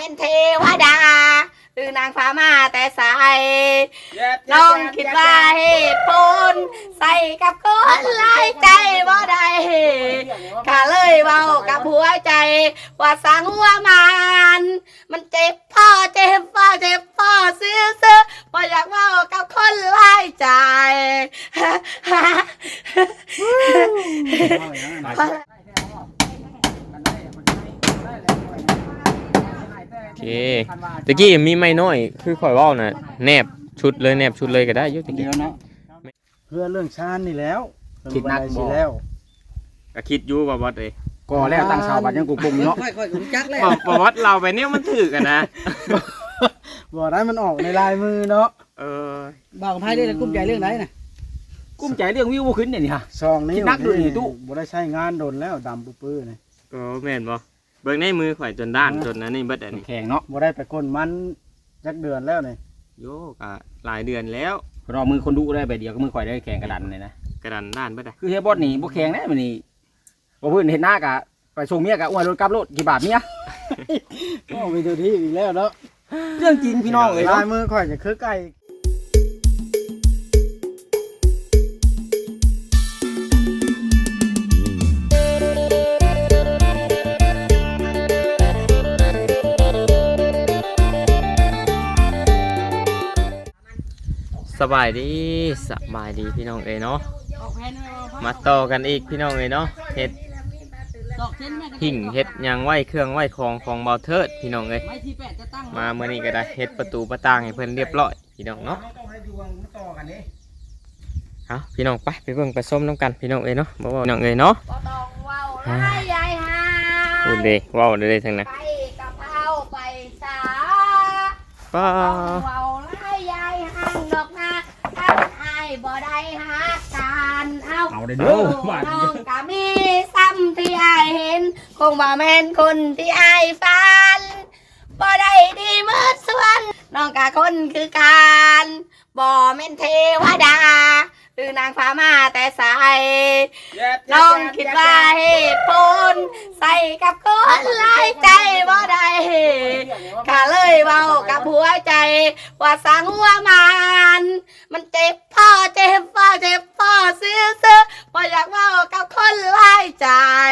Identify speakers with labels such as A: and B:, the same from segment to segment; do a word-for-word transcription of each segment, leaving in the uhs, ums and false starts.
A: ม่นเทวดาหรือนางฟ้ามาแต่สายน้องคิดว่าเหตุผลใส่กับคนหลายใจบ่ได้ข้าเลยเว้ากับหัวใจว่าสังหัวมันมันเจ็บพ่อเจ็บพ่อเจ็บพ่อซื้อซื้อบ่อยากเว้ากับคนหลายใจ
B: โอเคตะกี้มีไม่น้อยคือข่อยว่าน่ะแนบชุดเลยแนบชุดเลยก็ได้ยุติเดียวเนาะ
C: เพื่อเรื่องชาญนี่แล้ว
D: คิดนักบ่
C: แล้ว
B: ก็คิดอยู่ว่าวัดเลย
D: ก่อแล้วตั้งชาวบ้านยังกุกบุงเนาะ
A: ค่อยๆขุนจักเลย
B: บอกวัดเราไปเนี่ยมันถือกันนะ
C: บ่ได้มันออกในลายมือเนาะ
B: เออ
E: บ่าวกับไพ่เรื่องกุ้มใจเรื่องไหนน่ะ
D: กุ้มใจเรื่องวิวบ่ขึ้นเนี่ยนี่ฮะ
C: ซองนี้
D: คิดนักดูนี่ตู้
C: บ่ได้ใช้งานโดนแล้วดำปื้อๆนี่
B: ก็แม่นบ่เบิ่งในมือข่อยจนด้านจนนั้นนี่เบิดอันนี้
D: แข็งเนาะ
C: บ่ได้ไปก้นมันจักเดือนแล้วนี่
B: โยกอะหลายเดือนแล้ว
D: รอมือคนดูได้ไปเดียวก็มือข่อยได้แข็งกระดันเลยนะ
B: กระดานด้านเบิดอะ
D: คือเฮยบอสนี่บ่แข็งแน่มื้อนี้บ่เพิ่นเห็นหน้ากะไปส่งเมียกะอ้วนรถกลับรถกี่บาทเมีย
C: โอ้มีตัวที่อีกแล้วเนาะ
D: เรื่องจริงพี่น้องเอ้ย
C: ลา
D: เนาะ
C: ยมือข่อยจะคือไก่
B: สบายดีสบายดีพี่น้องเอ้ยเนาะมาต่อกันอีกพี่น้องเอ้ยเนาะเฮ็ดหิ่งเฮ็ดหยังไหวเครื่องไหวของของเบาเทิดพี่น้องเอ้ยมาเมื่อนี้ก็ได้เฮ็ดประตูประต่างให้เพิ่นเรียบร้อยพี่น้องเนาะเอาพี่น้องไปไปเบิ่งไปส้มน้ำกันพี่น้องเอ้ยเนาะบ่ว่าพี่น้องเอ้ยเนาะ
A: บ่ต้องเว้าหลายยายหา
B: พูดเด้เว้าเด้ทั้งนั้น
A: ไปกะเพราไปสา
B: ป้า
A: ต้องเว้าหลายยายหางดอกนะถ้าอายบ่ได้หักกันเอา
D: เอาได้เด้อ
A: น้
D: บาด
A: องก็มีซ้ำที่อายเห็นคงบ่แม่นคนที่อายฝันบ่ได้ดีเหมือนส่วนน้องกะคนคือกันบ่แม่นเทวดาหรือนางฟ้ามาแต่สายน้องคิดว่าเหตุผลใส่กับคนหลายใจบ่ได้ข้าเลยเว้ากับหัวใจว่าสังหัวมันมันเจ็บพ่อเจ็บพ่อเจ็บพ่อซื้อซื้อบ่อยากเว้ากับคนหลายใจ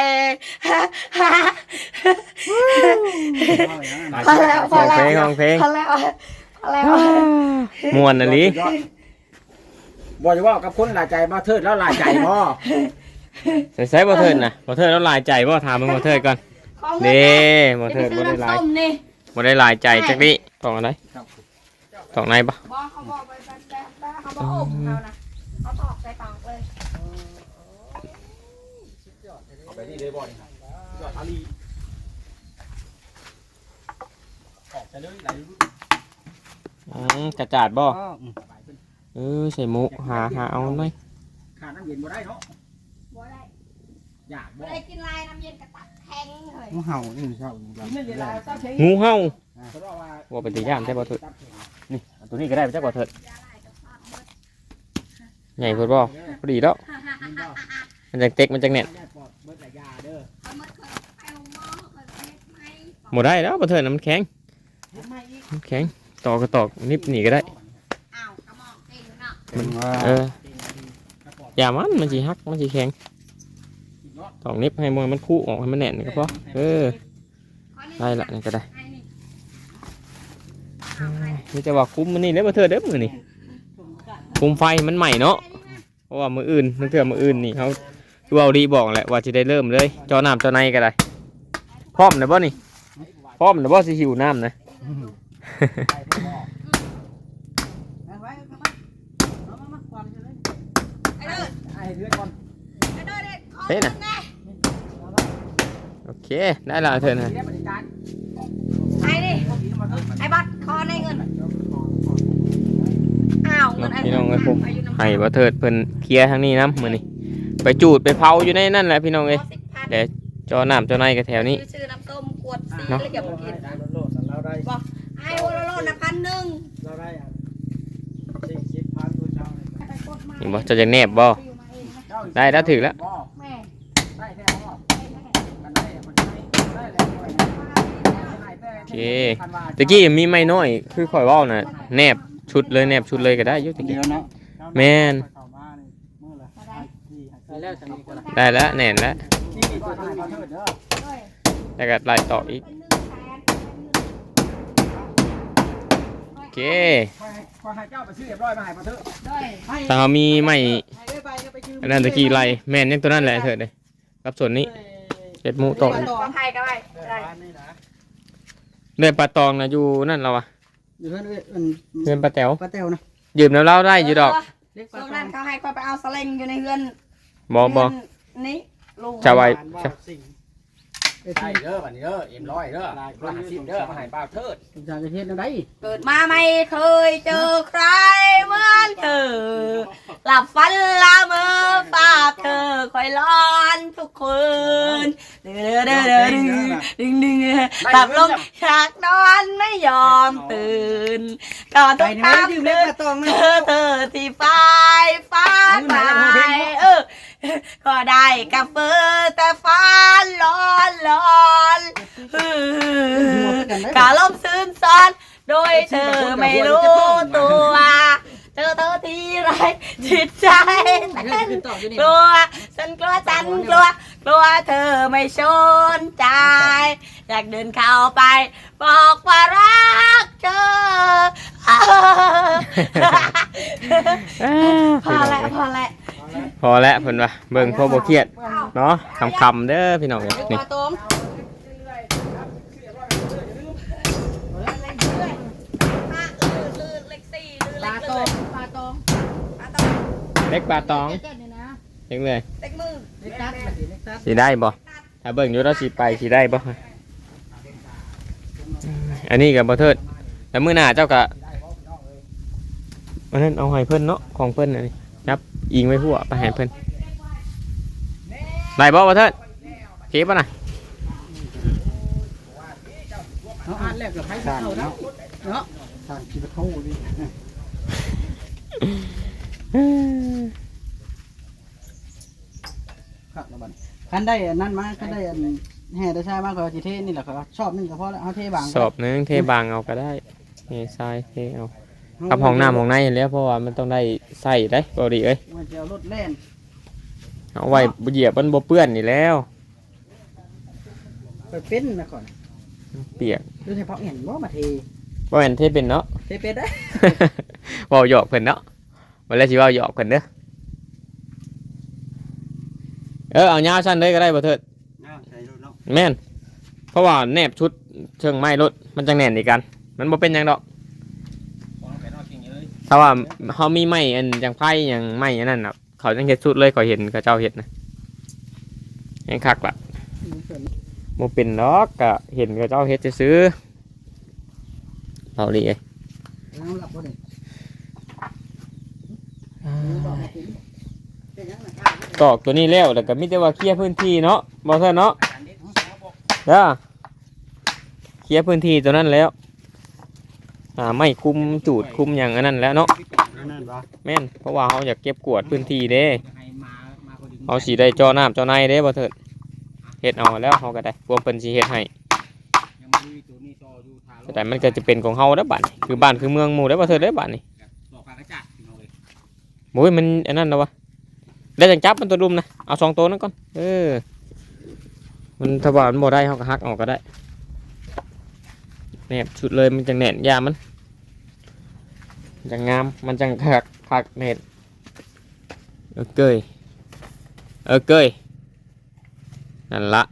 A: พอแล้วพอแล้ว
B: เพลงของเพลง
A: พอแล้วพอแล้ว
B: ม่วนอะลิ
D: บ่จะว่ากับคนหลายใจบ่เทิดแล้วหลายใจบ่
B: ใส่ใส่บ่เทิดนะบ่เทิดแล้วหลายใจบ่ถามมึงบ่เทิดก่อนเด้บ่เทิดบ่ได้หลาย
A: ส้มนี่
B: บ่ได้หลายใจจักดิต้องอะไรต้องไหนบ่
A: บอกเขาบอกไปแบบแบบเขาบอกอมเขานะเขาตอกใส่ปากเลย
D: เอาไปนี่เลยบ่นี่ครับยอดอาลีออกไปเลยไหล
B: อืมกระจาดบ่เออใส่หมูหาหาเอาหน่อย
D: ขาดน้ำเย็นบ่ได้เนาะ
A: บ่ได้
D: อยากบ่
A: บ่ได้กินลายน้ำเย็นกระตักแข็งเลย
C: งูเห่านี่ชอบ
D: กินน้ำเย็นลายต้องใช้
B: งูเห่า
D: เพราะว่า
B: ว่าเป็นตีย่านได้บ่เถิดนี่เอาตัวนี้ก็ได้จักบ่เถิดใหญ่เพิ่นบ่พอดีแล้วมันจังเต็กมันจังแน่น
D: เบิดหลายยาเด้อ
A: เอามาเคยไปลงหม้อเคยเม็ดไหม
B: บ่ได้แล้วบ่เถิดน่ะมันแข็งมันแข็งตอกก็ตอกนิบนี่ก็ได้
A: อ้าวกระหม่อมเองเนาะ
C: มันว่า
B: เอออย่ามันมันสิหักมันสิแข็งตอกนิบให้มวยมันคู่ออกให้มันแน่นนี่ก็พอเออได้ละนี่ก็ได้
A: ไอ้นี่
B: นี่จะว่าคุ้มมันนี่เด้อบ่เถิดเด้อมื้อนี่คุมไฟมันใหม่เนาะเพราะว่ามื้ออื่นนึกเถื่อมื้ออื่นนี่เขาคือเอาดีบอกแหละว่าสิได้เริ่มเลยจอน้ำจอในก็ได้พร้อมนะบ่นี่พร้อมนะบ่สิหิวน้ำนะ
E: ไว้เอามาเอามามาก่อนเลย
A: ไอ้เด้อ
D: ไอ้เลือดก่อน
A: ไอ้เด้อเด็กขอ
B: เฮ้ยน่ะ
A: แน่
B: โอเคได้และเถิดนะ
D: เรียกบริการ
A: ไอ้นี่ไอ้บัตรคอในเงินอ้าวเงินไอ้
B: พี่น้องเอ้ยผม
A: อายุน้ำ
B: ให้บ่เถิดเพิ่นเคลียร์ทางนี้นำมื้อนี้ไปจูดไปเผาอยู่ในนั่นแหละพี่น้องเอ้ย
A: สิบพัน
B: เดี๋ยวจอน้ำจอในก็แถวนี้
A: ชื่อน้ำส้มขวดซี
B: เนาะ
A: แล้วเก็บมากิน
C: โลดๆเราได้
A: บอกไอ้โอโลโลนะพันหนึ่ง
C: เราได้อันสี่สิบพันตัวเช้าเลย
B: นี่บ่จะจะแนบบ่ได้แล้วถึงแล้ว
A: แม่
D: ได้แท้บ่มันได้มันได้ได้แล้วได้แต่
B: เคตะกี้มีไม้น้อยคือข่อยเว้าน่ะแนบชุดเลยแนบชุดเลยก็ได้อยู่ตะ
D: เดี
B: กี้
D: ยวเนาะ
B: แม่น
C: เข้ามานี่มื้อละห้าที่ห้า
E: ไปแล้วทางนี้ก็ได้
B: ได้แล้วแน่นแล้ว
D: นี่ตัวถ่ายมาเถิดเด้อ
B: แล้วก็ไล่ต่ออีกโอเค
D: ขอให้ขอให้เจ้าไปซื้อเรียบร้อยมาให้มาเถิด
B: ถ้าเรามีไม้
E: ให้ได้ไปก็ไปชื่อ
B: อันนั้นตะกี้ไล่แม่นยังตัวนั้นแหละเถิดเลยกับส่วนนี้เจ็ดหมูตก
A: ปลาไผ่ก็ได้ได้
C: บ้านนี่นะ
B: เนื้อปลาตองนะอยู่นั่นเราอะ
E: อยู่เพื่อนเอ้ยอัน
B: เพื่อนปลาแต๋ว
E: ป้าแต้วนะ
B: ยืมน้ำเล่าได้อยู่ดอก
E: เล็ก
A: ช่
E: ป้าว
A: ง
E: ตอ
A: นั้น
E: ง
A: เขาให้คอยไปเอาสลิงอยู่ในเฮือน
B: บอบอ
A: เฮือนนี่ลุง
B: จะไว้
C: บ้านว่าสิ่ง
E: เอ้ย
D: ใช่เด้อบัดนี้เด้อเอ็มร้อยเด้อร้อยห้าสิบเด้อมาให้บ่าวเถิด
E: ที่จากประเทศนั่นได้
A: เกิดมาไม่เคยเจอใครเหมือนเธอ หลับฝันละเมอฝากเธอคอยร้อนทุกคืนเด้อเด้อเด้อดึงดึงดึงหลับลงอยากนอนไม่ยอมตื่นก่อน
E: ไป
A: ต้อง
E: นี่ไม่
A: ตาม
E: ได้ยืมเล็ก
A: เดิน
E: ป้าตอง
A: เธ
E: นะ
A: อเธอที่ฟ้ายฟ้าไปเออก็ได้กับเฟอแต่ฟ้าร้อนร้อนกาลมซึมซ้อนโดยเธอไม่รู้ตัวเจอเธอทีไรจิตใจ
E: เรื่องขึ้นต่ออยู่นี่
A: กลัวฉันกลัวฉันกลัวกลัวเธอไม่สนใจ อยากเดินเข้าไป บอกว่ารักเธอพอแล้วพอแล้ว
B: พอแล้วเพิ่นว่าเบิ่งพอบ่เครียดเนาะคำๆเด้อพี่น้องเอ้ยนี่
A: ปลาต้มเล็กสี่เล็ก
E: ปลาต
A: เล
E: อย งปลาตอง
A: ปลาต้ม
B: เล็กปลาตอง
E: เจ็ดนี่นะ
B: เล็กเลย
A: เล็กมือ
E: เล็กตัดแบบนี้เล็กตัด
B: สิได้บ่ถ้าเบิ่งอยู่แล้วสิไปสิได้บ่อันนี้ก็บ่เทิดแล้วมื้อหน้าเจ้าก็อันนั้นเอาให้เพิ่นเนาะของเพิ่นอันนี้ครับอิงไว้หัวไปให้เพิ่นได้บ่บ่เทิดเก็บบ่น่ะ
E: เอาอ่านแรกกับไผ่เข้าแล้วเนาะ
C: ทางกินเข้าดิ
E: ครับแล้วบัดคันได้อันนั้นมาคันได้อันแห่ได้ใช่มากกว่าจีเทนี่แหละครับชอบนี่ก็พอแล้วเอาเทบาง
B: สอบหนึงเทบางเอาก็ได้เททรายเทเอากับห้องน้ำห้องในเห็นแล้วเพราะว่ามันต้องได้ใส่ได้บ่ดีเอ้ย
E: มันจะเอารถแล่น
B: เอาไว้เหยียบมันบ่เปื้อนนี่แล้ว
E: ไปเป็นนะก่อน
B: เปียก
E: ดูเฉพาะเห็นว่ามาเท
B: บ่แม่นเทเป็นเนาะ
E: เทเป็นได้
B: เว้าหยอกเพิ่นเนาะวันแรกสิเว้าหยอกเพิ่นเด้อเออเอายาวสั้นเลยก็ได้บ่เถิด
C: ใช่รถเนาะ
B: แม่นเพราะว่าแนบชุดเชิงไม้รถมันจังแน่นอีกกัน มันบ่เป็นหยังดอกถ้าว่าเฮามีไม้อันจังไผหยังไม้อันนั้นน่ะเขาจังเฮ็ดชุดเลยเขาเห็นเขาเจ้าเฮ็ดนะยังคักล่ะบ่เป็นดอกก็เห็นเขาเจ้าเฮ็ดซื่อๆเอาดิเอ้ย
E: น้ำหลับบ่ได้เป็นยังไง
B: ตอกตัวนี้แล้วแล้วก็มีแต่ว่าเคลียร์พื้นที่เนาะบ่เท่าเนาะเด้อเคลียร์พื้นที่ตัวนั้นแล้วอ่าไม่คุมจูดคุมหยังอันนั้นแล้วเนาะ
C: นั่นบ่
B: แม่นเพราะว่าเฮาอยากเก็บกวาดพื้นที่เด้เฮาสิได้จ่อน้ำจ่อในเด้บ่เถิดเฮ็ดเอาแล้วเฮาก็ได้พวกเพิ่นสิเฮ็ดให้แต่มันก็จะเป็นของเฮาเด้อบัดนี้คือบ้านคือเมืองหมู่เด้อบ่เถิดเด้อบัดนี้โอ้ยมันอันนั้นเนาะวะได้จังจับมันตัวดุมนะเอาสองตัวนั้นก่อนเออมันถ้าว่ามันบ่ได้เฮาก็หักออกก็ได้แนบชุดเลยมันจังแน่นยามันจังงามมันจังคักคักแน่นเออเกยเออเกยนั่นละ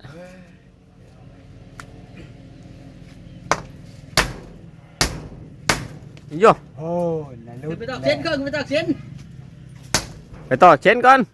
B: โย่
C: โอ้ยนายรถ
E: ไปตอกเส้นก่อนไปตอกเส้น
B: ไปต่อเชนก่อน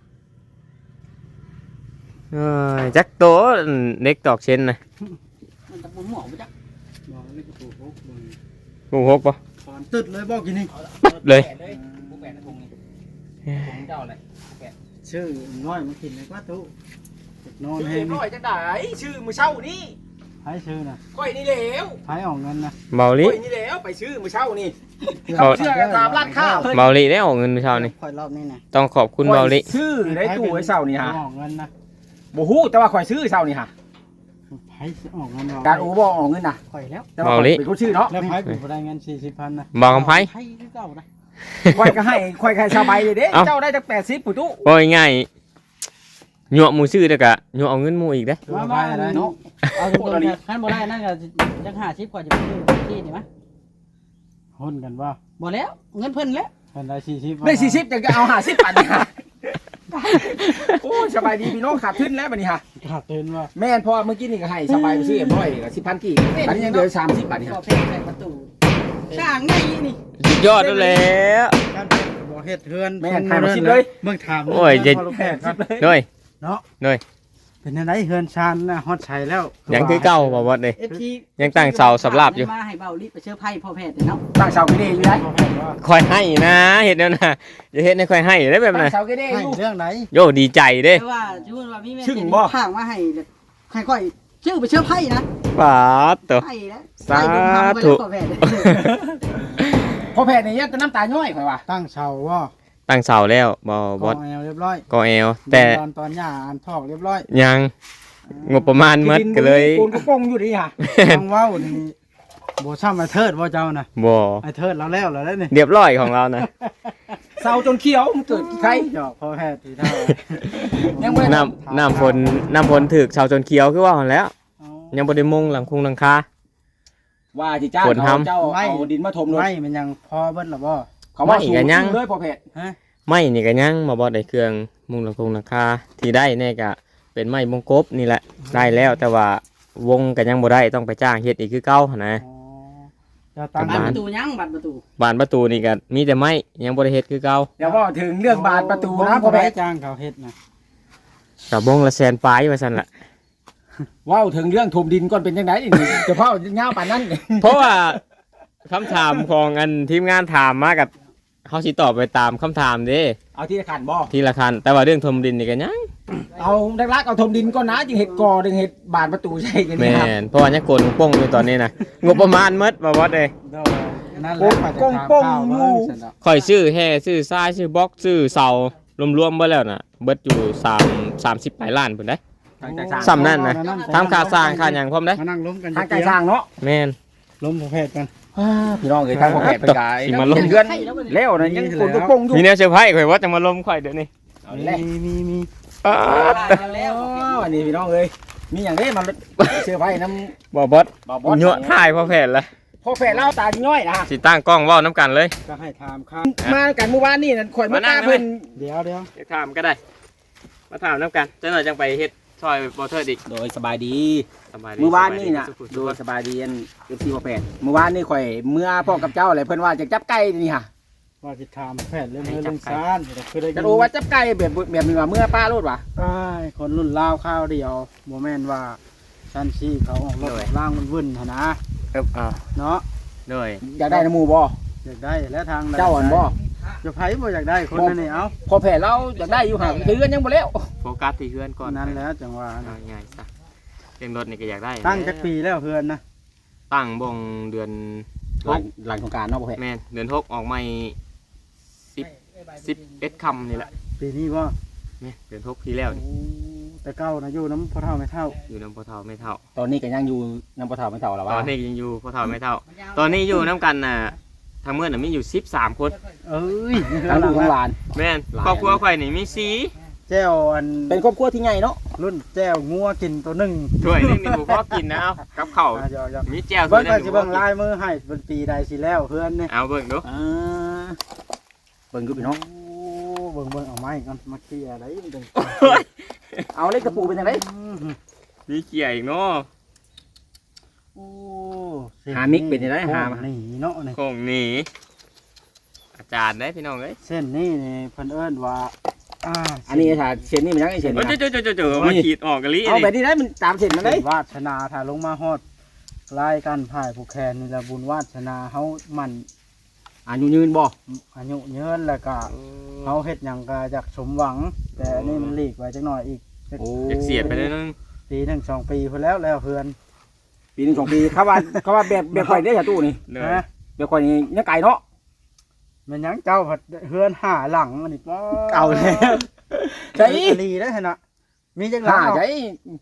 B: เอ้ยจักโตเน็กตอกเชนนะ
E: มันตะปูหมอไปจัก
C: มองเล็กตัวพกมึง
B: กูหกปะ
C: ตอนตึดเลยบอกกินนี่
B: เลย
D: ผู้แปดถุงนี่ถุงเจ้าเลย
C: ชื่อน้อยมากินเลยว่าตู้นอน
D: ชื่อ
C: ให้
D: เอ็มร้อยจังได้ชื่อมือเช่านี่
C: ให้ชื่อนะ
D: ก้อยนี่แล้ว
C: ให้ออกเงินนะ
B: เบาลิ
D: ก้อยนี่แล้วไปชื่อมือเช่านี่
B: เอา
D: เชื่อกันตามร้านข้าว
B: เบาลิได้ออกเงินเช้านี่
E: คอยรอบนี้นะ
B: ต้องขอบคุณเบาลิ
D: ชื่อได้ตู้ไอ้เช่านี่ฮะ
C: ออกเงินนะ
D: บ่ฮู้แต่ว่าข่อยซื้อเช่านี่ฮะ
C: ให้
E: ให้ออกเงิน
D: การโอ้บ่ออกเงินน่ะ
E: ข่อยแล้ว
D: แต่ว่าเป็นคนชื่อเนาะ
E: แล้วไผเป็นบ่ได้เงินสี่สิบพันนะ
B: บอกกับไผ
E: ให้คือเก่านะ
D: ค่อยก็ให้ค่อยก็ให้สบายเลยเด้
B: เอ้า
D: เจ้าได้จักแปดสิบผู้ตู้
B: บ่ง่ายๆยั่วหมู่ซื้อเด้อกะยั่วเอาเงินหมู่อีกเด้
E: มามาเนาะเอาตรงๆคันบ่ได้นั่นก็จักห้าสิบกว่าจะไปซื้อที่นี่มั้ยหุ้นกันว่าบ่แล้วเงินเพิ่นแล้วเพิ่นได้สี่สิบ
D: ได้สี่สิบจังก็เอาห้าสิบปันนี่ฮะโอ้ยสบายดีพี่น้องขาดทุนแล้วบัดนี้ฮะ
E: ขาดเตือนว่า
D: แม่นพอเมื่อกี้นี่ก็ให้สบายไปซื้อเอ็มร้อยก็สิบพันกี่อันนี้ยังเหลือสามสิบบาทนี่
E: ก็
D: ฮะ
E: เพ่งใส่ประตูสร้างไงนี่
B: สุดยอดแล้ว
E: การเป็นบ่เฮ็ดเฮือน
D: แม่นขายมาสิบเลย
E: เบิ่งถาม
B: โอ้ยเจ็ด
E: แม่นครับ
B: ด้วย
E: เนาะ
B: ด้วย
E: เป็นจังไดเฮือนชานน่ะฮอดชัยแล้ว
B: ยังคือเก่าบ่บ่เด้
E: เอฟซี
B: ยังตั้งเสาสำหรับอยู่
E: มาให้เบาลิไปเชื่อไพ่พ่อแพทย์เนาะ
D: ตั้งเสากี่เด้อยู่ได้
B: คอยให้นะเฮ็ดแนวน่ะอย่าเฮ็ดให้คอยให้ได้แบบ
D: ตั้
B: นั้น
D: งเสากี่เด้
E: ให้
D: อยู่
E: เรื่องไหน
B: โยดีใจเด้
E: แต่ว่าชื่อว่ามีแม่
D: ชึ่งบ่
E: ข้างมาให้ให้ค่อยชื่อไปเชื่อไพ่นะ
B: ปาดตัว
E: ไพ่แล้ว
B: สาธุ
E: ไพ่บุญธรรมไปแล้วพ่อแพทย์
D: พอแพทย์นี่ยัดน้ำตาย้อยข่อยว่า
E: ตั้งเสาว่า
B: ตั้งเสาแล้วบ่บ่
E: กองแอลเรียบร้อย
B: ก็เอวแต่
E: ตอนตอนหญ้าอ่านทอกเรียบร้อย
B: ยังงบประมาณหมดก็เลย
D: ปูนกระโปรงอยู่ดีฮะ
E: ทางเว้านี่บ่ซ้ำไอ้เทิดบ่เจ้าน่ะ
B: บ่
E: ไอ้เทิดเราแล้วแล้วนี่
B: เรียบร้อยของเรานะ
D: เสาจนเขียวมันเกิดใคร
E: หยอกพ่อแพทย์ทีเท่า
D: ยังไม่
B: น้ำน้ำฝนน้ำฝนถึกชาวจนเขียวคือว่าหั่นแล้ว
E: เอา
B: ยังบ่ได้มุงหลังคุงหลังคา
D: ว่าที่จ้าง
B: ฝน
D: เขา
B: ทำ
D: เจ้าเอาดินมาถมเลย
E: ไม่มันยังพอเบิ้ลหรอบ่
D: เขาว่า
B: ไม่
D: สูง
B: กันยัง
D: เลยพอแพทย์
E: ฮะ
B: ไม้นี่ก็ยังมาบ่ได้เครื่องมุงหลังคุงหลังคาที่ได้แน่ก็เป็นไม้มงกบนี่แหละได้แล้วแต่ว่าวงก็ยังบ่ได้ต้องไปจ้างเฮ็ดอีกคือเก่าหั่นนะ
E: อ๋อจะตั้ง
B: ประ
E: บั
B: มาณ
E: ตรประตูยังบัตรประตู
B: บานประตูนี่ก็มีแต่ไม้ยังบ่ได้เฮ็ดคือเก่า
D: เดี๋ยวว่าถึงเรื่องบานประตูนะ
E: พ่
D: พ่
E: อ
D: อ
E: แพ
D: แพ
E: ท
D: ท
E: ย์
D: ย์
E: จ้างเขาเฮ็ดนะ
B: ก็บงละแสนปลายว่าซั่นล่ะ
D: ว่าถึงเรื่องถมดินก่อนเป็นยังไงนี่เฉพาะเงาป่านนั้น
B: เพราะว่าคำถามของอันทีมงานถามมากับเขาสิตอบไปตามคำถามเด้
D: เอาที่ขันบ่
B: ทีละคันแต่ว่าเรื่องทมดินนี่ก็ยัง
D: เอาดักลักเอาถมดินก่อนนะจึงเห็ดกอจึงเห็ดบานประตูใช่กัน
B: แม่
D: นี่ครับ
B: นเพราะว่ายังโกนป้งอยู่ตอนนี้นะงบประมาณหมดบ่บ่เด้
E: เด้อนั่นแหละข้อยจะถามข่าวเบิ่งซั่นดอก
B: ค่อยซื้อแห่ซื้อทรายซื้อบล็อกซื้อเสารวมๆเบ่แล้วน่ะเบิดอยู่3 30ปลายล้านพุ่นเด้
D: ทางใจสร้าง
B: ซ้ำนั่นนะทำค่าสร้างค่าหยังพร้อมเด้
E: มานั่งล้มกัน
D: ทางใจสร้างเนาะ
B: แม่น
E: ล้มพ่อแพทย์กัน
D: พี่น้องเอ้ยทางพ่อแพทย์เป็นไง
B: สิมาลง
D: เดือนแล้วนะยังคนก็ปงอยู่
B: มีแนวเซอร์ไพรส์ข่อยว่าจะมาลมข่อยเดี๋ยวนี้
D: เอาแหละ
E: มีมีมี
B: ป๊าด
E: แล้ว
D: อันนี้พี่น้องเอ้ยมีอย่างนี้มันเสื้อไผ่น้
B: บ่บด
D: ำบ่บอส
B: ยั่วถ่ายพอแผ่นละ
D: พ่อแพทย์เล่าตาน้อยนะ
B: สิตั้งกล้องเว้าน้ำกันเลย
E: ก็ให้ถามครับ
D: มากันเมื่อวานนี่นั่นข่อยมา
B: มานั่
D: ตาง เพิ่น
E: เดี๋ยวเดี๋ยว
B: จะถามก็ได้ มาถามน้ำกันจังหน่อยจังไปเฮ็ดซอยบ่เทิดอีก
D: โดยสบายดี
B: สบายดี
D: เมื่อวานนี่น่ะ
B: สบายดี
D: โดยสบายดีอันเอฟซีพ่อแพทย์เมื่อวานนี่ข่อยเมื่อพ่อกับเจ้าอะไรเพิ่นว่าจะจับไก่นี่ค่ะ
E: ว่าจะถามแพทย์เรื่องเรื่องเรื่องซานแต่คือได้ยิ
D: จะ
E: น
D: รู้ว่าจับไก่แบบแบบนี้ว่าเมื่อป้าโลดว่ะ
E: อ้ายคนรุ่นลาวข้าวเดียวโมแมนว่าชันชีเขาออกรถออกล่างมันวุ่นหั่นนะ
B: เอิบอ่า
E: เนาะ
B: ด้วย
D: อยากได้น้ำหมูบ่
E: อยากได้และทางใด
D: เจ้าอ่อนบ่
E: จะไผบ่อยากได้คนนั้นนี่เอ้า
D: พอแผ่เราอยากได้อยู่ห่างเดือนยังบ่แล้ว
B: โฟกัสที่เพื่อนก่อน
E: นั่นแหล้วจังหวะ
B: เอาง่ายๆซะเรื่องรถนี่ก็อยากได้
E: ตั้งจักปีแล้วเพื่อนนะ
B: ตั้งบ่งเดือน
D: หลังหลังสงกรารเนาะพ่อแพทย์
B: แม่นเดือนหกออกใหม่สิบ สิบเอ็ดคำนี่แหละ
E: ปีนี้ว่า
B: แม่นเดือนหกที่แล้วนี่
E: แต่เก้านะอยู่น้ำพ่อเท่าไม่เท่า
B: อยู่น้ำพ่อเฒ่าไม่เท่า
D: ตอนนี้ก็ยังอยู่น้ำปลาเฒ่าไม่เฒ่าแล้ว
B: ต
D: ว่า
B: อนนี้ยังอยู่พ่อเฒ่าไม่เท่า ตอนนี้อยู่น้ำกันน่ะทางเมื่อน่ะมีอยู่สิบสามคน
E: เอ้ย
D: ทั้งลูกทั้งหลาน
B: แม่นครอบครัวข่อยนี่มีสี
E: แจ้วอัน
D: เป็นครอบครัวที่ใหญ่เนาะ
E: รุ่นแจ้วงัวกินตัวหนึ่ง
B: ถ้วยนึงนี่ผมก็กินนะเอากับข้าว
E: อ่ะเดี๋ยวเดี๋ยว
B: มีแจ่วถ้
E: เบิ้
B: วย
E: ง
B: นึ
E: ก็
B: ง
E: จะเบิ้งลายมือให้เป็นปีใดสิแล้วเพื่อนเนี่ย
B: เอาเบิ่งดู
D: อ่าเบิ่งอยู่พี่น้อง
E: โอ้เบิ่งเบิ่งเอาไม้กันมาเคลียร์อะไรมันเป็น
D: เอาเล็กกระปูเป็นยังไง
B: มีเกี่ยอีกเนาะ
E: โอ้
D: หามิกเป็นยังไงหามา
E: นี่เนาะนี่
B: คงหนีอาจารย์ได้พี่น้องเอ้ย
E: เส้นนี่นี่เพิ่นเอิ้นว่าอ่า
D: อันนี้ถ้าเส้นนี่มันยังไงเส้น
B: โอ้ย
D: นะ
B: เจ้าเจ้าเจ้าเจ้ามาขีดออกกะลิ
D: เอาแบบ
B: นี่
D: นี้ได้มันตามเส้นมันเล
E: เส้
D: ย
E: นวาสนาถ้าลงมาฮอดรายการผ่ายผู้แคนนี่ละบุญวาสนาเฮามัน
D: อายุยืนบ่
E: อายุยืนแล้วก็เฮาเฮ็ดหยังก็อยากสมหวัง แต่อันนี้มันหลีกไว้จักหน่อยอีก
D: โอ้
B: อยากเสียดไปเลยนึง
E: ปีหนึ่งสองปีพุ่นแล้วแล้วเพื่อน
D: ปีหนึ่งสองปีเขาว่าเขาว่าแบบแบบข่อยได้อตู้นี่
B: เน
E: ฮะ
B: ย
D: แบบข่อยนี่ยังไก่เนาะ
E: มันหยังเจ้าผัดเฮือนหาหลังอันนี้ป้
D: เก่าแล้ว
E: ใช่
D: ใช่
E: ลีได้อหั่นน่ะมีจังห
D: ห้า
E: ลัง
D: ใช่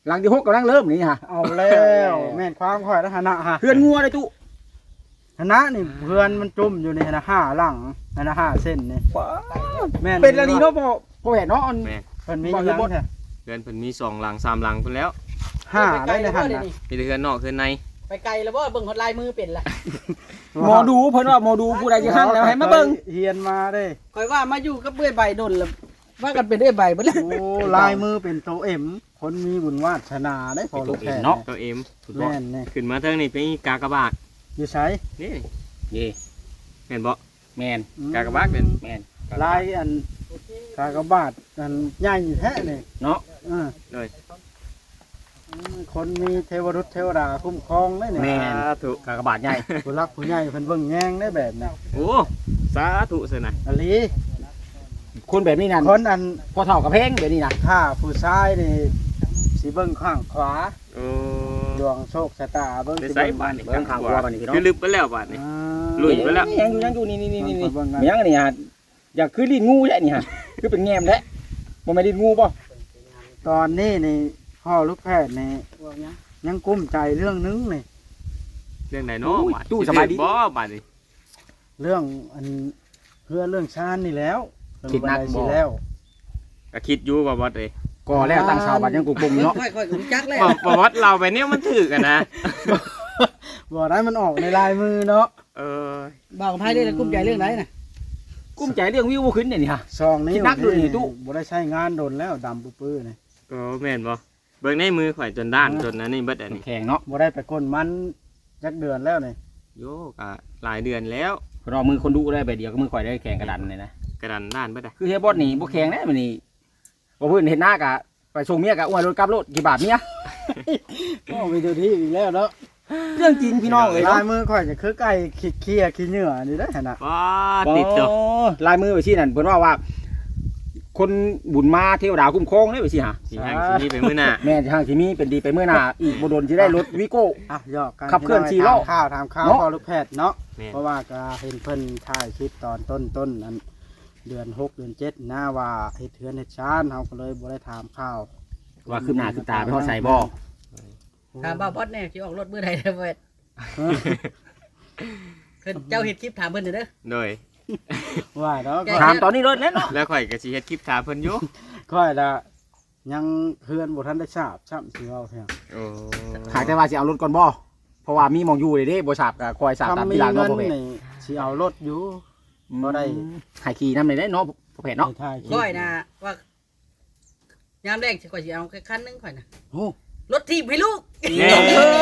D: หลังที่หกกำลังเริ่มนี่ฮะ
C: เอาแล้วแม่นความข่อยนะหนะฮะ
D: เพื่อนงัวได้ตู้
C: หนะนี่เพื่อนมันจุ่มอยู่ในหนะห้าหลังหนะห้าเส้นนี่แม่น
D: เป็นอะไรเนาะพ่อพ่อแหวนเนาะ
B: แม่
C: เพิ่นมีอยู่หลังแท้
B: เพื่อนเพิ่นมีสองหลังสามหลังเพิ่นแล้ว
C: ห้าได้ในหัน
E: เล
C: นะ
E: นี่
B: มีแต่เพื่อนนอกเพื่อนใน
E: ไปไกลแล้วบ่เบิ่งฮอดลายมือเป็นละ
D: หมอดูเพิ่นว่าหมอดูผู้ใดจะหั่นแล้วให้มาเบิ่ง
C: เฮียนมาเด้
E: คอยว่ามาอยู่กับเบื้อยใบดนแล้วว่ากันเป็นเบื้อยใบเบ่แล้ว
C: โอ้ลายมือเป็นโตเอ็มคนมีบุญวาสนาได้พอลูกแพทย์
B: ตัวเอ็มถูกบ่
C: แม่นนี่
B: ขึ้นมาเทิงนี่เป็นกากบาท
C: อยู่ใช้
B: นี่
D: นี่
B: เห็นบ่
D: แมน
B: กากบาทเป็น
D: แมน
C: ลายอันกากบาทอันใหญ่แท้นี่
D: เนาะ
C: เออ
B: เลย
C: อืมคนมีเทวรุษเทวดาคุ้มครองได้นี่
D: แมน
B: สาธุ
D: กากบาทใหญ่
C: ผู้รักผู้ใหญ่เพิ่นเบิ่งแยงได้แบบนี้
B: โอ้สาธุเสียนะ
C: อลี
D: คนแบบนี้นั่น
C: คนอัน
D: พอเท่ากับเพลงแบบนี้นะ
C: ถ้าผู้ชายนี่สิเบิ่งข้างขวา
B: โอ้
C: ดวงโชคชะตาเบิ่ง
B: ไป
C: สิ
B: ใส่
C: เบิ่ง
B: บ้านนี่
D: เบิ่งข้างขวาบัดนี้พี่น้อง
B: คือลึกไปแล้วบ้านนี่
C: อ่า
B: ลุยไปแล้ว
D: ยังอยู่ยังอยู่นี่นี่นี่นี่
C: เบิ่งกัน
D: มียังอันนี่ฮะอยากคือลิ้นงูแหละนี่ฮะคือเป็นแง้มแหละบ่แม่นลิ้นงูป่ะ
C: ตอนนี้นี่พ่อลูกแพทย์นี่ยังกุ้มใจเรื่องนึงนี่
B: เรื่องไหนเนาะบ้าน
D: ตู้สบายดี
B: บ่บ้านนี่
C: เรื่องอันเพื่อเรื่องชาญนี่แล้ว
D: คิดหนัก
C: เพิ่
D: บ่
C: สิแล้ว
B: ก็คิดอยู่ว่าบ่เอ้
D: ก่อแล้วตั้งชาวบ้านยังกุ่มๆเนาะ
E: ค่อยๆรู้จักแล้ว
B: บ่บ่วัดเราไปเนี่ยมันถือกันนะ
C: บ่ได้มันออกในลายมือเนาะ
B: เออ
E: บ่าวกับไผได้แล้วกุ้มใจเรื่องไหนน่ะ
D: กุ้มใจเรื่องวิวบ่ขึ้นเนี่ยนี่ฮะ
C: ซองนี้
D: คิดหนักดูนี่ตู้
C: บ่ได้ใช้งานโดนแล้วดำปื้อๆนี่
B: ก็แม่นบ่เบิ่งในมือข่อยจนด้านจนอันนี้เบิดอันนี้
D: แข็งเนาะ
C: บ่ได้ไปก้นมันจักเดือนแล้วนี่
B: โยก็หลายเดือนแล้ว
D: รอมือคนดูได้ใบเดียวก็มือข่อยได้แข็งกระดันเลยนะ
B: กระดันด้านเบิดอ่ะ
D: คือเฮียบอสนี่บ่แข็งแน่มื้อนี้บ่เพิ่นเห็นหน้ากะไปส่งเมียกะอ้วนรถกลับรถกี่บาทเมีย
C: โอ้มีตัวที่อีกแล้วเนาะ
D: เรื่องจริงพี่น้องเอ้ย
C: ลา
D: เนาะ
C: ยมือข่อยจะคือไก่ขี้เคียขี้เหงื่อนี่ได้อหั่นน่ะ
B: ว้าติดตัว
D: อ๋อลายมือไปชี้นั่นเพิ่นว่าว่า คนบุญมาเทวดาคุ้มครองเด้ไปสิฮะ
B: สิห่างสิมีไปมื้อหน้า
D: แม่นทางสิมีเป็นดีไปเมื่อหน้าอีกบ่โดนสิได้รถวิโก้
C: อ่ะยอกกัน
D: ขับเคลื่อนสี่ล้อ
C: ถามข้าวถามข้าว
D: เนาะ
C: พอลูกแพทย์เนาะ
B: แม่น
C: เพราะว่าก็เห็นเพิ่นถ่ายคลิปตอนต้นต้นนั้นเดือนหกเดือนเจ็ดหน้าว่าเฮ็ดเทือนเฮ็ดชานเฮาก็เลยบ่ได้ถามข้าว
D: ว่าคืบหน้าคืบตาไปฮอดใส่บ่
E: ถามบ่าวพอดแน่สิออกรถมื้อใดเด้อเว้ย
C: เออ
E: เพิ่นเจ้าเฮ็ดคลิปถามเพิ่นเด้อ
B: โดย
C: ว่าเนาะ
E: แก
D: ถามตอนนี้รถแล้วเนาะ
B: แล้วข่อยก็สิเฮ็ดคลิปถามเพิ่นอยู่
C: ค่อยละยังเพื่อนบ่ทันได้ทราบซ้ำสิเอาเพียง
B: โอ้
D: หากแต่ว่าสิเอารถก่อนบ่เพราะว่ามีหมองอยู่เลยเด้บ่ทราบก็คอยทราบตาม
C: ทำมี
D: ที่หลัง
C: เงิ
D: เนาะ
C: น
D: พ่อแม่
C: นี่สิเอารถอยู่ บ่ได้
D: ให้ขี่นำได้เนาะพ่อแม่เนาะ
C: ไปถ่ายคลิป
E: ค่อยนะว่ายามแรกสิข่อยสิเอาแค่คันหนึงข่อยน่ะ
C: โอ้
E: รถถีบให้ลูก
B: แน่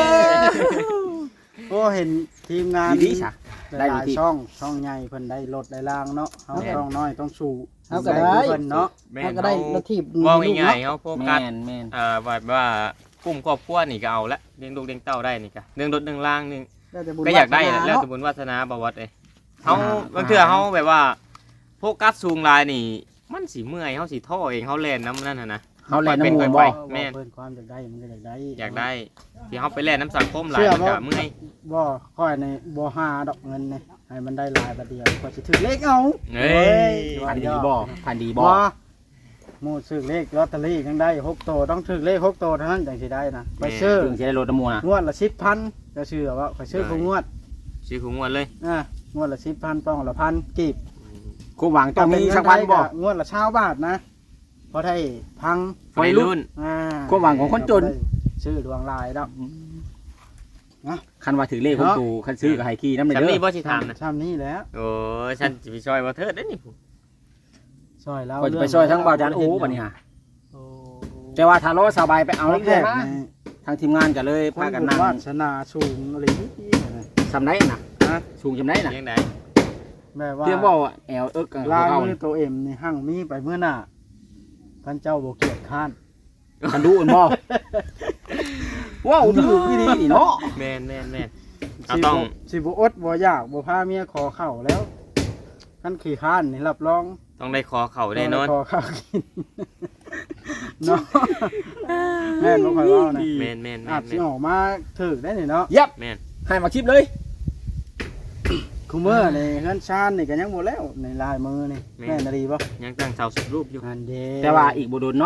C: โอ้เห็นทีมงาน
D: ดีๆซะ ได้
C: หลาย
D: ดี
C: ๆช่องช่องใหญ่เพิ่นได้รถได้ล่างเนาะเฮา
B: แม่น
C: ช่องน้อยต้องสู้
E: เอาก็ได้
C: เพิ่นเนาะ
B: แม่
E: เอา
B: น
E: ก็ได้
B: เฮาร
E: ถถีบ
B: เว้า
E: ลูก
B: ง่ายๆ
E: เนาะ
B: เฮาโฟกั
D: แม่
B: ส
D: นแม่น
B: อ่าว่าว่ากลุ่มครอบครัวนี่ก็เอาละเลี้ยงลูกเลี้ยงเต้าได้นี่ก็เรื่องรถเรื่องล่างนี่
C: แล้วแต่บุญ
B: ก็อยากได้
C: วาส
B: แห
C: นา
B: ละแล้ว
C: เนาะ
B: แต่บุญวาสนาบ่วัดเอ้ยเฮาบางเทื่อเฮาแบบว่าโฟกัสสูงหลายนี่ มันสิเมื่อยเฮาสิท้อเองเฮาแล่นน้ำนั่นน่ะนะ
D: เฮาแล่น
B: เป็น
D: น้ำมู
B: ค่
D: ล
B: อย
D: บ่
B: ไป แม่น
C: เพิ่นความอยากได้มันก็อยากได้
B: อยากได้ที่เฮาไปแล่นน้ำสังคมหลาย
C: เชื่อ
B: มัน
C: บ่
B: ก็เมื่อย
C: บ่ค่อยในบ่หาดอกเงินนี่ให้มันได้หลายบัดเดียวก็สิถือเลขเอา
B: เฮ้ย
D: พันดีบ่พันดีบ่
C: บ่หมู่ซื้อเลขลอตเตอรี่ยังได้หกโตวต้องถือเลขหกโตวเท่านั้นจังสิได้นะไปซื้อ
D: ถึงสิได้รถน้ำมูลนะ
C: งวดละสิบพันจะซื้อว่าไปซื้อผู้งวด
B: สิคุงวันเลย
C: อ่ะงวดละสิบพันป้องละพันกีบ
D: กูหวังต้องมีสักพันบ่
C: งวดละเช้าบาทนะพอได้พัง
B: วัยรุ่น
C: อ่า
D: ความหวังของคนจน
C: ซื้อดวงลายแล้ว
D: คันว่าถือเลขของตูคันซื้อกับไฮคีน้ำเลย
B: ฉัน
D: เด้
B: นี่
D: อ
B: บ่สิถามนะ
C: ซ้ำนี้แหล้ว
B: โอ้ยฉันสิไปช่วยบ่เทิดได้นี่ผู้
C: ซอยแล้ว
D: ก็จะไปช่วยทั้งบ่าวจานโอ้บัดนี้ฮะแต่ว่าถ้ารอสบายไปเอา
C: เอา
D: เรื่
C: แร
D: อย
C: ก
D: ๆมา
C: นี่
D: ทางทีมงานก็เลย
C: ค
D: พาน กัน
C: บุญ
D: นั่ง
C: วาสนาสูงอะไรนี่
D: สำได้น่ะ
C: นะ
D: สูงจำได้น่ะ
B: เลี้ยงได้
C: แบบว่า
D: เตรียมบ่ว่าแอลเอิกกัน
C: ลาย
D: เขา
C: มือตัวเอ็มนี่หั่งมีไปเมื่อหน้าท่านเจ้าโบเกียรติข้าน
D: คันดูอันบ่ว้าวถือพี่ดีนี่เนาะ
B: แม่นแม่นแม่น เอา
C: สิ
B: ต้อง
C: บ่สิบอดบ่อยากบ่พาเมียขอเข่าแล้วท่านขี่ข้านนี่รับรอง
B: ต้องได้คอเข่าแน่นอน
C: ขอข้าวกินเนาะแม่นบ่ค่อยเว้านะ
B: แม่นแม่นแม่
C: อาจ
B: น
C: สิ
B: แม่น
C: ออกมาถึกได้นี่เนาะ
D: ยับ
B: แม่น
D: ให้มาคลิปเลย
C: คุมื้อนี่เฮือนชานนี่ก็ยังบ่แล้วในลายมือนี่แม่นดีบ่
B: ยังตั้งเสาสุดรูปอยู่
C: อันเด้
D: แต่ว่าอีกบ่โดนเนาะ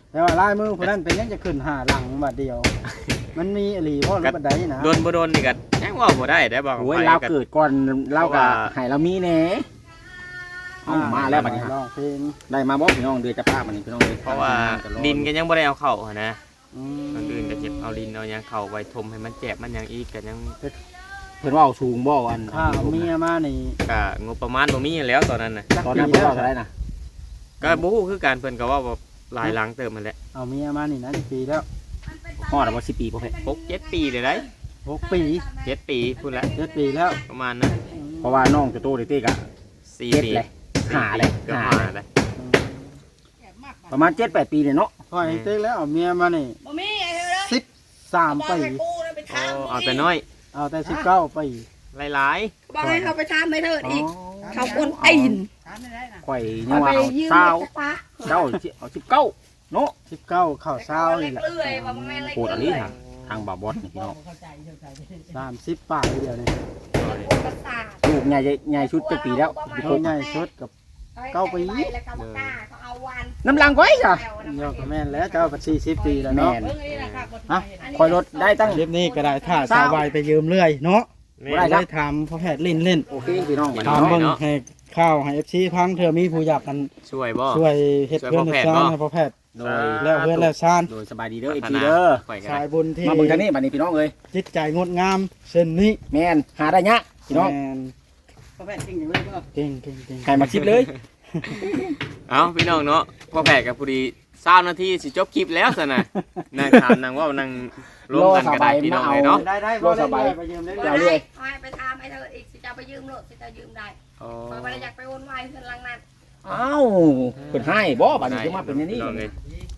C: แต่ว่าลายมือคนนั้นเป็นยังจะขึ้นหาหลังบัดเดียว มันมีอหลีเพราะรถบัดใดนะ
B: โดนบ่โดนนี่ก็ยังว่าบ่ได้ได้บอก
D: โอ้ย
B: ไป
D: เรา
B: ก็
D: เกิดก่อนเราก็
B: ว่า
D: ให้เรามีแหน่เอามาแล้วบัดนี้ฮะ
C: ร้องเพลง
D: ได้มาบ่พี่น้องเดือนจะพาบัดนี้พี่น้องเลย
B: เพราะว่าดินก็ยังบ่ได้เอาเข้าหั้นนะ
C: อื
B: คนอื่นก็
C: ม
B: เก็บเอาดินเอาหยังเข้าไว้ทมให้มันแจบมันหยังอีกก็ยัง
D: เพิ่นว่าเอาสูงบ่อัน
C: ข้าวเมียมานี่
B: ก็งบประมาณบ่มีแล้วตอนนั้นน่ะ
C: จัก
D: ตอน
C: ปี
D: นั้นเพิ่น
C: แล้ว
D: ว่าเท่าไหร่นะ
B: ก็บ่ฮู้คือการเพิ่นก็ว่าแบบหลายหลังเติมมันแหละ
C: เอาเมียมานี่นะปีแล้ว
D: ฮอดบ่สิบปีบ่เพิ่น
B: หกเจ็ดปีเลยได้
C: หกปี
B: เจ็ดปีพูดแล้ว
C: เจ็ดปีแล้ว
B: ประมาณนั้น
D: เพราะว่าน้องจะโตเด็กๆอ่ะ
B: สี่
D: เจ็ด
B: ปี
D: เลยหาเลย
B: เกือบ
D: หา
B: หา
D: เลย
B: เลย
C: อืม
D: ประมาณเจ็ดแปดปีเนี่ยเนาะ
C: พ่อไอ้เต๊กแล้วเอาเมียมานี่
A: บ่มีไอ้เด้อ
C: สิบสามปี
A: กูนะไป
B: โอ้
A: ถาม
B: เอาแต่น้อย
C: เอาแต่สิบเก้าปี
B: หลาย
A: บอกให้เขาไปถามไม่เถิดอีก เขาคนตีน
E: ถามไม่ได้นะ
D: ข่อย
A: เขา
D: ยัง
A: ไป
D: ว่าเอา
A: ยืม
D: เศร้า
A: จักปะ
D: เจ้าเอาสิบเก้าเนาะ
C: สิบเก้าเข้าเช้า
A: เล็
C: นี่
A: ก
C: แหละ
A: เลื่อยว่ามันไม่เล็ก
D: โคตรอันนี้ทางทางบาบอสนี่พี่
E: บอ
D: น้
E: ก
D: อง
E: เข้าใจเข้าใจ
C: สามสิบป่ายเดียวนี่
A: ประสาท
D: ลูกใหญ่ใหญ่ชุดจะปีแล้ว
C: เขาใหญ่สุดกับ เก้าปี
A: แล้วก็บอกกล้าเขาเอาวัน
D: น้ำลังไว้จ้ะ
C: เดียวกับแม่นแล้วเจ้าปัดสี่สิบปีแล้ว
D: แม่
C: เนาะ
D: น
E: เบิ่งอันนี้นะค่ะกด
C: ฮะ
D: คอยรถได้ตั้ง
C: คลิปนี้ก็ได้ถ้าสาววายไปยืมเรื่อยเนาะ
B: ๆ
D: บ่ได้ครับ
C: ได้ถามพ่อแพทย์เล่นเล่น
D: โอเคพี่น้อง
C: ถาม
B: บ่
C: เบิ่ง
B: เนาะ
C: ให้ข้าวให้เอฟซีพังเธอมีผู้อยากกัน
B: ช่วยบ่
C: ช่วยเฮ็ด
B: ช่วย
C: เพื่อน
B: พ่อ
C: เฮ็
B: แพ
C: ด
B: ทย์
C: ซ่าน
B: บ่
C: ให้พ่อแพทย์
D: โดย
C: แล้วเพื่อนแล้วซ่าน
D: โดยสบายดีเด้อ
B: พั
D: อี
B: ฒ
D: พี
B: นา
D: เด้อ
B: ข่อยก็
C: สา
B: ได้
C: ยบุญที่
D: มาเบิ่งทางนี้บัดนี้พี่น้องเอ้ย
C: จิตใจงดงามเส้นนี้
D: แม่นหาได้ยะพี่น้อง
C: แม่น
E: พ่อแพทย์จริงอย่างนี้ก็
C: เก่งเก่งเก่ง
D: ให้มาชิปเลย
B: เอาพี่น้องเนาะพ่อแพทย์กับผู้ดีเศร้านาทีสิจบคลิปแล้วซะนะนางถามนางว่านางร่วมกันก็ได้พี่น้องเลยเนาะ
C: ได้ได้บ่ได้เลยไปยืมได้
D: เดี๋
C: เลย
D: วย เลย
A: ให้ไปถามไอ้เถิดอีกสิจะไปยืมรถสิจะยืมได้
B: อ๋อ
A: เพราะว่าอยากไปวนวายเพื่อนหลังนั้น
D: อ้าวเพิ่นให้บ่บัดนี้จะมาเป็นอย่างนี้
B: พี่องเลย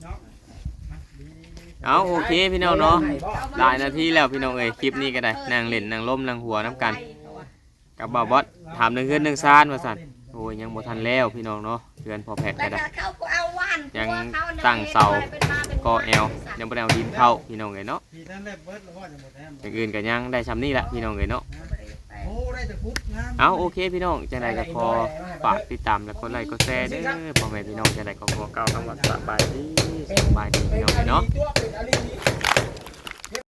B: เอาโอเคพี่น้องเนาะหลายนาทีแล้วพี่น้องเอ้ยคลิปนี้ก็ได้นางเล่นนางล้มนางหัวน้ำกัน กับบ่าวบอสถามหนึ่งเฮือนหนึ่งซานว่าสั่นโอ้ยยังบ่ทันแล้วพี่น้องเนาะเฮือนพอแพทย์
A: แล้
B: ก็
A: ว
B: ได้
A: ก็เขาก็เอาวัน
B: ยัง
A: ตัวขนี่ย
B: ตั้งเสา
A: เป็นมาเป็น
B: ก็แอลยังบ่ได้เอาดินเข้าพี่น้องเอ้ยเนาะ
C: พี่ท่านได้เบิดแล้วว่าจะหมดแฮม
B: อย่างอื่นก็ยังได้ซ้ำนี่แหละพี่น้องเอ้ยเนาะ
C: โอ้ได้แต่พุทธงาม
B: เอาโอเคพี่น้องจังไดก็ขอฝากติดตามและกดไลค์กดแชร์เด้อพ่อแม่พี่น้องจังไดก็ขอเกล่าวคำว่าสบายดีสบายดีพี่น้องเอ้ยเนาะ